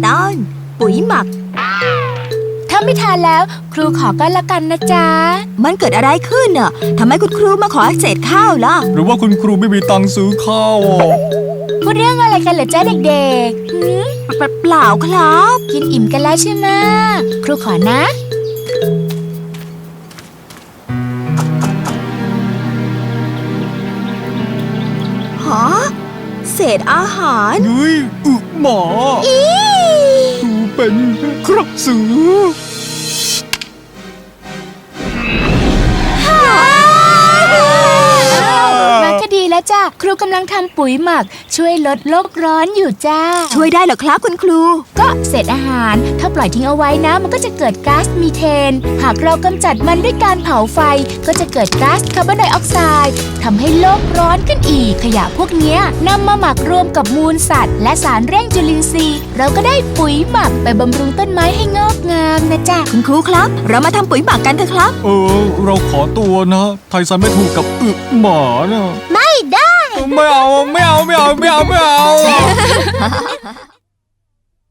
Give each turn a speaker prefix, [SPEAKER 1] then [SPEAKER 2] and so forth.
[SPEAKER 1] ตอนปุ๋ยหมัก
[SPEAKER 2] ถ้าไม่ทานแล้วครูขอก็แล้วกันนะจ๊ะ
[SPEAKER 1] มันเกิดอะไรขึ้นน่ะทำไมคุณครูมาขอเศษข้าวล่ะ
[SPEAKER 3] หรือว่าคุณครูไม่มีตังค์ซื้อข้าว
[SPEAKER 2] พูดเรื่องอะไรกันเหรอจ๊ะเด็ก
[SPEAKER 1] ๆเปล่าครับ
[SPEAKER 2] กินอิ่มกันแล้วใช่ไหมครูขอนะ
[SPEAKER 1] ฮะเศษอาหาร
[SPEAKER 3] เฮ้ยหมาครูเป็นกระสือ
[SPEAKER 2] มาก็ดีแล้วจ้ะครูกำลังทำปุ๋ยหมักช่วยลดโลกร้อนอยู่จ้า
[SPEAKER 1] ช่วยได้เหรอครับคุณครู
[SPEAKER 2] ก็เศษอาหารถ้าปล่อยทิ้งเอาไว้นะมันก็จะเกิดก๊าซมีเทนหากเรากำจัดมันด้วยการเผาไฟก็จะเกิดก๊าซคาร์บอนไดออกไซด์ทำให้โลกร้อนขึ้นอีกขยะพวกนี้นำมาหมักรวมกับมูลสัตว์และสารเร่งจุลินทรีย์เราก็ได้ปุ๋ยหมักไปบำรุงต้นไม้ให้งอกงามนะจ๊ะ
[SPEAKER 1] คุณครูครับเรามาทำปุ๋ยหมักกันเถอะครับ
[SPEAKER 3] เราขอตัวนะไทซันไม่ถูกกับหมานะ
[SPEAKER 1] ไม่ได้
[SPEAKER 3] ไม่เอา